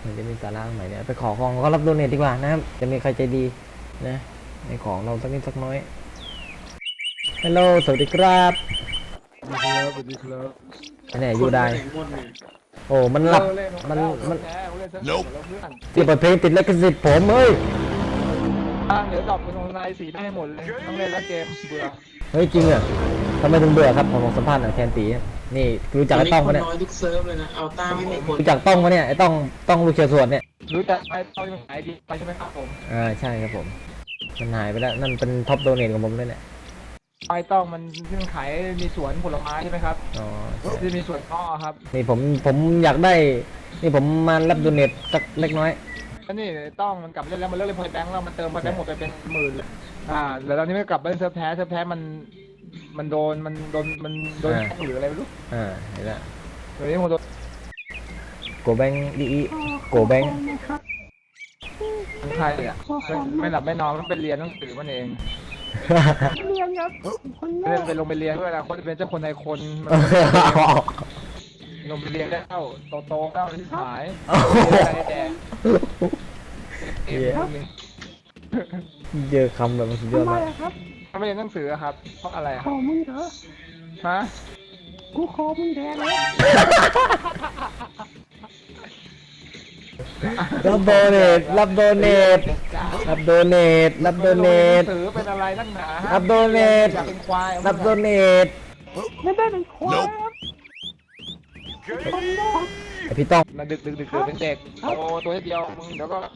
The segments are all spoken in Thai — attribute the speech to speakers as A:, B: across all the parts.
A: มันจะมีสาระใหม่เนี่ยไปขอของก็รับโดเนทดีกว่านะครับจะมีใครใจดีนะในของเราสักนิดสักน้อยฮัลโหลสวัสดีครับ
B: สวัสดีครับ
A: อันนี้ยูได้โอ้มันหลับมันที่เปิดเพลงติดลิขสิทธิ์ผมเฮ้ย
B: เดี๋ยวดรอปเป็นออนไลน์สีได้หมดเลยต้องเล่นแล้วเกมเบื่อ
A: เฮ้ยจริงเหรอทำไมถึงเบื่อครับผมสัมภาษณ์หน่อยแทนตีนี่รู้จักไอ้ต้องปะเนี่ย
C: น้อยทุกเซิร์ฟเลยนะเอาตามไม่มีคน
A: รู้จักต้องปะเนี่ยไอ้ต้องลูกเชียร์สวนเนี่ย
B: รู้จักไอ้ตอนขายดีไปใช่ไหมครับผม
A: ใช่ครับผมมันหายไปแล้วนั่นเป็นท็อปโดเนทของผมเลยเนี่ย
B: ไอ้ต้องมันที่มันขายมีสวนผลไม้ใช่ไหมครับ
A: อ๋อ
B: ที่มีสวนอ้อครับ
A: นี่ผมอยากได้นี่ผมมารับโดเนทสักเล็กน้อย
B: แล้วนี่ต้องมันกลับเล่นแล้วมันเลิกเล่นพอยแบงค์แล้วมันเติมพอยแบงค์หมดไปเป็นหมื่นเลยแล้วตอนนี้มันกลับมาเล่นเซิร์ฟแพ้มันโดนแฮกหรืออะไรไม่รู้
A: เห็นแล้ว
B: เดี๋ยวนี้มันโดน
A: โกแบงดีโกแบง
B: ใครอ่ะไม่หลับไม่นอนมันเป็นเรียนหนังสือมันเอง
D: เรียนครับคนแร
B: เล่น
D: ก
B: ไปลงไปเรียนด้วยนะคนเป็นเจ้าคนในคนมันลงไปเรียนได้เข้าโตเข้าที่ขายอะไรแดงเอ็มนี่
A: เจอคำแบบมันสุดยอด
D: ทำไม
A: มาก
D: อะครับ
B: เขาไม่เรียนหนังสือครับเพราะอะไร
D: ขอมึงเหรอ
B: ฮะ
D: กูขอมึงแทนเลย
A: รับโดเนทรับโดเนทรับโดเนทรับโดเน
B: หนั
A: ท
B: งสือเป็นอะไรนักหนา
A: รับโดเนท
B: อยากเป็นควาย
A: รับโดเนท
D: ไม่ได้เป็นควายครับคนแรก
A: ไอพี่ต้อง
B: มาดึกเป็นเด็กโตตัวเดียวมึงเดี๋ยวก็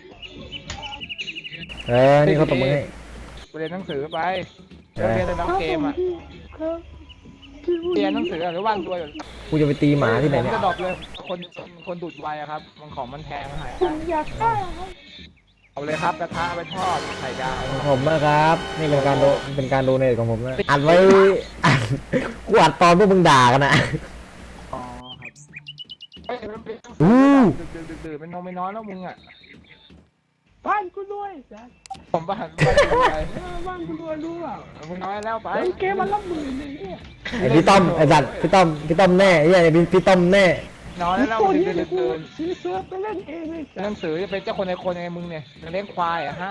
A: นี่เขาตบมือให้
B: ไปเรียนหนังสือไปเรียนแต่น้องเกมอ่ะ
D: ครับที่พูด
B: เรียนหนังสือหรือว่างตัวอยู่
A: กูจะไปตีหมาที่ไหนเนี่ย
B: จะดรอปเลยคนดูดไวอะครับมันของมันแพงหาย
D: ผมอยากได้ครับ
B: เอาเลยครับกระทะไปทอดไข่ดาว
A: ของผมนะครับ นี่เป็นการโดเนทของผมนะอัดไว้อัดกูอัดตอนพวกมึงด่ากันนะ
B: อ๋อครับเฮ้ยมันเป็น
A: อู้
B: ดื่นไม่นอนไม่นอนแล้วมึงอ่ะ
D: บ้านกูด้วยจ้ะ
B: ผมบ้านไป
D: บ้านกูด้วยรู้เปล่า
B: มึงน้อยแล้วไป
D: ไอ้เกมมันละหมื่นเลยเนี่ย
A: ไอพี่ต้อมไอสัตว์พี่ต้อมแน่ไอ้พี่ต้อมแน่
B: นอนแล้ว
D: ตัว
B: มึง
D: นี้
B: เดิน
D: กู
B: เดิน
D: ซื้อเสื้อไปเล่นเองเลย
B: หนังสือจะเป็นเจ้าคนในคนยังไงมึงเนี่ยเลี้ยงควายอ่ะฮะ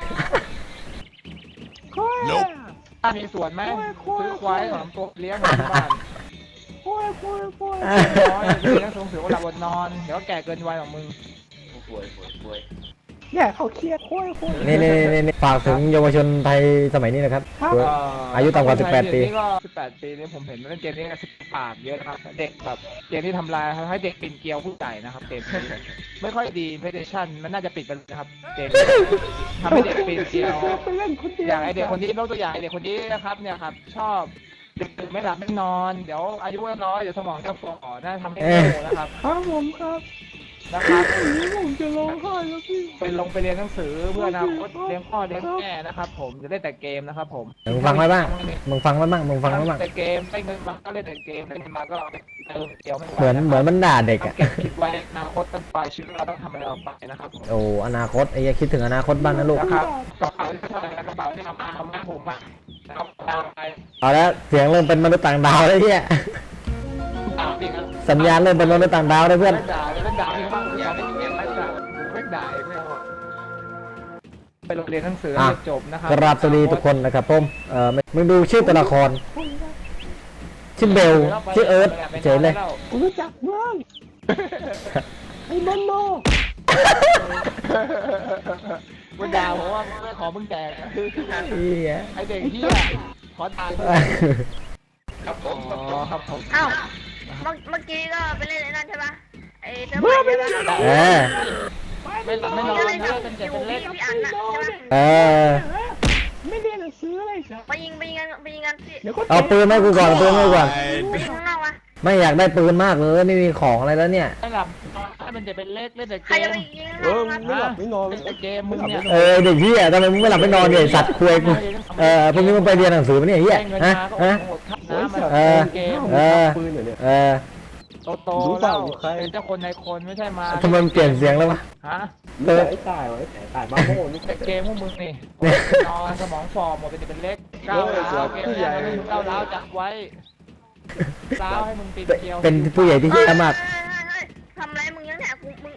D: โอ้ย
B: ถ้ามีสวนไหมซื้อควายสองตัวเลี้ยงที่บ้าน
D: โอ้ย
B: น้อยเลี้ยงหนังสือวันหลับบนนอนเดี๋ยวแก่เกินวัยของมึง
D: เนี่ยเขาเครียดโอ้ย
A: นี่ฝากถึงเยาวชนไทยสมัยนี้นะครับ อายุต่ำกว่า18 ปี
B: นี่ก็18 ปีนี่ผมเห็นเล่นเกมนี้ปากเยอะครับเด็กแบบเกมที่ทำลายให้เด็กปิ่นเกลียวผู้ใหญ่นะครับเกมนี้ไม่ค่อยดีเพลย์สเตชันมันน่าจะปิดไปเลยนะครับเกมทำให้เด็กปิ่นเกลียว
D: ไปเล่นคนเดียว
B: อย่างไอเด็กคนนี้ยกตัวอย่างไอเด็กคนนี้นะครับเนี่ยครับชอบดึกๆไม่หลับไม่นอนเดี๋ยวอายุน้อยเดี๋ยวสมองจะฝ่อน่าทำให้โง่นะครับ
D: ครับผมครับ
B: นะครับ
D: ผมจะร้องไห้แล้วพี่
B: ไปเรียนหนังสือเพื่ออนาคตเลี้ยงพ่อเลี้ยงแม่นะครับผมจะได้แต่เกมนะครับผม
A: มึงฟังไว้บ้างมึงฟังไว้บ้าง
B: แต่เกมได้เงินมาก็เล่นแต่เกมได้เงินมาก็เอาไปเติมเดียวไม่ไหว
A: เหมือนมันด่าเด็ก
B: ต้อง
A: อ่ะ
B: เก็บคิดไว้อนาคตตั้งปลายชีวิตเราต้องทำอะไรออกไปนะครับ
A: โอ้อนาคตไอ้คิดถึงอนาคตบ้างนะลูก
B: นะครับกระเป๋าที่เท่าไหร่กระเป๋าที่ทำมาผมอ่ะนะครับตามไป
A: เอาแล้วเสียงเริ่มเป็นมนุษย์ต่างดาวแล้วเนี่ย
B: ตามดิครับ
A: สัญญาณเริ่มเป็นมนุษย์ต่างดาวเลยเพื่อน
B: เล่นด่าที่เขาอยากเล่นเกมเล่นด่าไม่ด่าไม่เอาไปโรงเรียนหนังสือให้จบนะครับ
A: กราบสวัสดีทุกคนนะครับผมมึงดูชื่อตัวละครชื่อเบลชื่อเอิร์ธเฉยเลย
D: กูรู้จักมึงไอ้บอลโน
B: มึงด่าผมว่าไม่ขอมึงแดกไอเด็กเหี้ยขอทานครับผมครับผม
E: อ้าวเมื่อกี้ก็ไปเล่นไอ้นั่นใช่ปะไอ้เซิร์ฟใหม่ใช่ปะ
B: ไม่หลับไม่นอน
E: ก็เล่น
B: นะ
E: กับ
B: เป็นเจ็บ
E: อยู่
B: เป็นเล็ก
E: พี่อันน่ะใช่ปะ
D: ไม่เรียนหนังสืออะไรจ้ะ
E: ไปยิงกันที่
D: เดี๋ยวก็
A: เอาปืนให้กูก่อนปืนให้กูก่อน
E: ไปยิงข้างนอกวะ
A: ไม่อยากได้ปืนมากเลยไม่มีของอะไรแล้วเนี่ย
B: ไม่หลับถ้าเป็นเจ็บเป็นเล็กเล่นแต่
E: ใคร
B: เก
E: จะ
B: ม
E: ไปยิงข้างนอกวะ
D: ไม่หลับไม่นอน
B: เล่นแต่เกมมึงเนี่ย
A: เด็กเหี้ยทำไมมึงไม่หลับไม่นอนเนี่ยสัตว์คุยกูพวกนี้มึงไปเรียนหนังสือมั้ยเนี่ยเหี้ย
B: เงิน
A: ฮะ
B: มาก็
A: ฮะ
B: หมดค่าน้ำมันเกม
D: ปืนเหรอเนี่ย
B: โตแล้วเป็นเจ้าคนในคนไม่ใช่มา
A: ทำไมมันเปลี่ยนเสียงแล้ววะ
B: ฮะ
D: ไอ้ตายวะไอ้ตายบ้าโม่นี่
B: แต่เกมพวกมึงนี่นอนสมองฝ่อหมดเป็นเล็กก้าวร้าวเกมเนี่ยมึงก้าวร้าวจับไว้ร้าวให้มึงปีนเกลียว
A: เป็นผู้ใหญ่ที่เหี้ยมาก
E: เฮ้ยทำไรมึงยังแหกมึง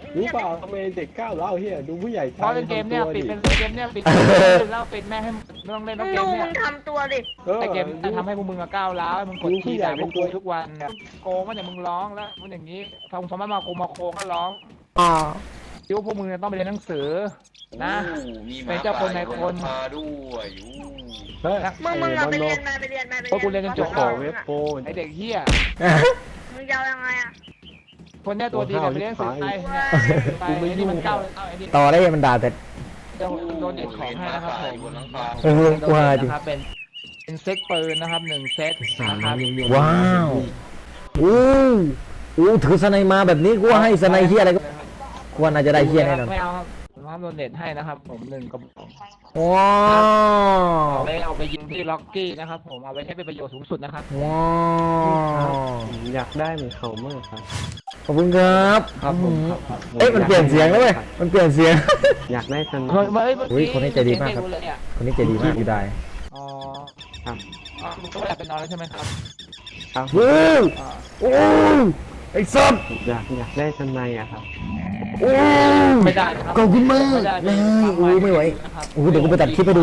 D: รู้เปล่าทำไมเด็กก้าวร้าวเฮียดูผู้ใหญ่
B: เพราะเกมเนี่ยปิดเป็นเกมเนี่ยปิดแล้วปิดแม่ให้ไม่ต้องเล่น
E: มึ
B: แล้ว
E: ง
B: เก
E: ดู
B: ม
E: มึ
B: เนี่ย
E: งทำตัวดิ
B: ไอเกมจะทำให้พวกมึงอะก้าวร้าวมึงกดขี่ด่าพวกกูทุกวันเนี่ยโกงก็เนี่ยมึงร้องแล้วมันอย่างนี้ทำสมัยมาโกงมาโคงก็ร้อง
A: อ๋อ
B: คิดว่าพวกมึงต้องไปเรียนหนังสือนะ
F: มีห
B: เป็
F: มาน
B: เจ้าคนในคน
F: พาด้วยอยู่
D: เฮ้ย
E: มึงเอาไปเรียนมาไปเรียนมาไปเรียน
B: เพราะกูเรียนจนจบ
D: ขอเว็บโปร
B: ไอเด็กเหี้ย
E: มึงจะเอายังไงอ่ะ
B: คนเนี้ยตัวดีกันไปเรียนหนังสือไปไปนี่มันก้าวไอ้นี่
A: ต่อได้ยังมันด่าเสร็จ
B: โดนเด็กของให้นะครับผม
F: บนหลังคา
A: เออกลัวจริง
B: นะครับเป็นเซตปืนนะครับ1 เซตนะครับ
A: ว้าวโอ้โหถือสไนมาแบบนี้กูว่าให้สไนเฮียอะไรก็กูว่าน่าจะได้เฮียแน่นอน
B: ไม่เอาครับผมทำโดนเน็ตให้นะครับผม1 กระบอก
A: ว้าว
B: เอาไปยิงที่ล็อกกี้นะครับผมเอาไปใช้เป็นประโยชน์สูงสุดนะครับ
A: ว้าว
D: อยากได้เหมือนเขาเมื่อครับ
A: ขอบคุณครับ
B: ครับผมครับ
A: เอ้ยมันเปลี่ยนเสียงแล้วเว้ยมันเปลี่ยนเสียง
D: อยากได้ทัน
B: เฮ้ยเมื่อ
A: อุ๊ยคนนี้ใจดีมากครับ
B: เลยอะ
A: คนนี้ใจดีมากอยู่ได้
B: อ๋อ
D: ครับ
B: อ๋อมึงก็ไม่อยากไปนอนแล้วใช่ไหมครับ
D: ครับ
A: โอ้โอ้ไอ้สัตว์
D: อยากได้ทันในอะครับ
A: โอ้
B: ไม่ได้นะครับ
A: ขอบคุณมาก
B: ไม่ได้
A: เลย
B: ฟัง
A: โอ้ไม่ไหว
B: นะครับ
A: โอ้เดี๋ยวกูไปตัดคลิปให้ดู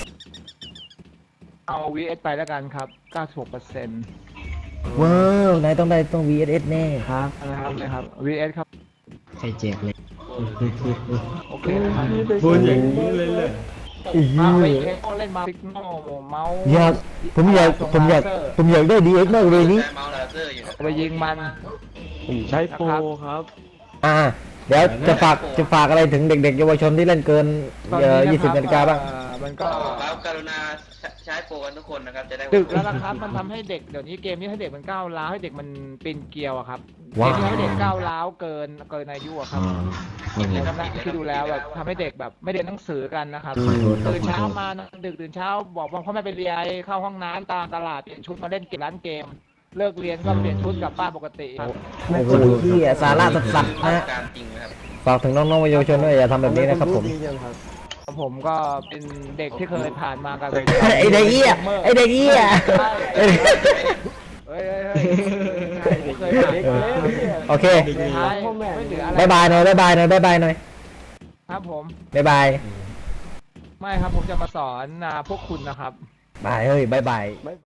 B: เอา VS ไปแล้วกันครับ 96%
A: ว้าวนายต้องได้ต้อง VSS แน่
D: ครับ
B: นะครับ VS ครับ
A: ใครแจกเลย
B: โอเคนะครับ
D: พูดอย่างนี้เลยเลย
A: อี
B: มาไป
A: เหี้ย
B: เล่นมาฟิกโนเมาส์
A: อยากผมอยากได้ DX มากเลยนี้
F: ได้เมาส์ลาเซอร์อยู่นะ
B: เอาไปยิงมัน
D: ผมใช้โปรครับ
A: เดี๋ยวจะฝากอะไรถึงเด็กๆเยาวชนที่เล่นเกิน
B: ตอนนี้นะครับ
A: 20 นาฬิกาบ้าง
B: มัน
F: ก็
B: ก็
F: ครับกรุณาใช้โปรกันทุกคนนะครับจะได้
B: ดึกแล้วนะครับ มันทำให้เด็กเดี๋ยวนี้เกมนี้ให้เด็กมันก้าวร้าวให้เด็กมันปีนเกลียวอะครับเก
A: ว้าว
B: มนี้ให้เด็กก้าวร้าวเกินอายุอะครับเกมนี้นะที่ดูแล้วแบบทำให้เด็กแบบไม่เรียนหนังสือกันนะครับตื่นเช้ามานะดึกตื่นเช้าบอกพ่อแม่ไปเรียนเข้าห้องน้ำตามตลาดเปลี่ยนชุดมาเล่นเกมร้านเกม เลิกเรียนก็เปลี่ยนชุดกลับบ้านปกติครับ
A: โอ้โหที่สาระสัสๆนะ
F: การจริงนะครับ
A: ฝากถึงน้องๆเยาวชนด้วยอย่าทำแบบนี้นะครับผม
B: ผมก็เป็นเด็กที่เคยผ่านมากับ
A: ไอเด็กเหี้ยไอเด็กเหี้ย
B: เฮ้ยเคยผ่านมา
A: โอเค
B: ใช่ไม่เหลืออะไร
A: บายบายหน่อยบายบายหน่อยบายบายหน่อย
B: ครับผม
A: บายบาย
B: ไม่ครับผมจะมาสอนพวกคุณนะครับ
A: บายเฮ้ยบายบาย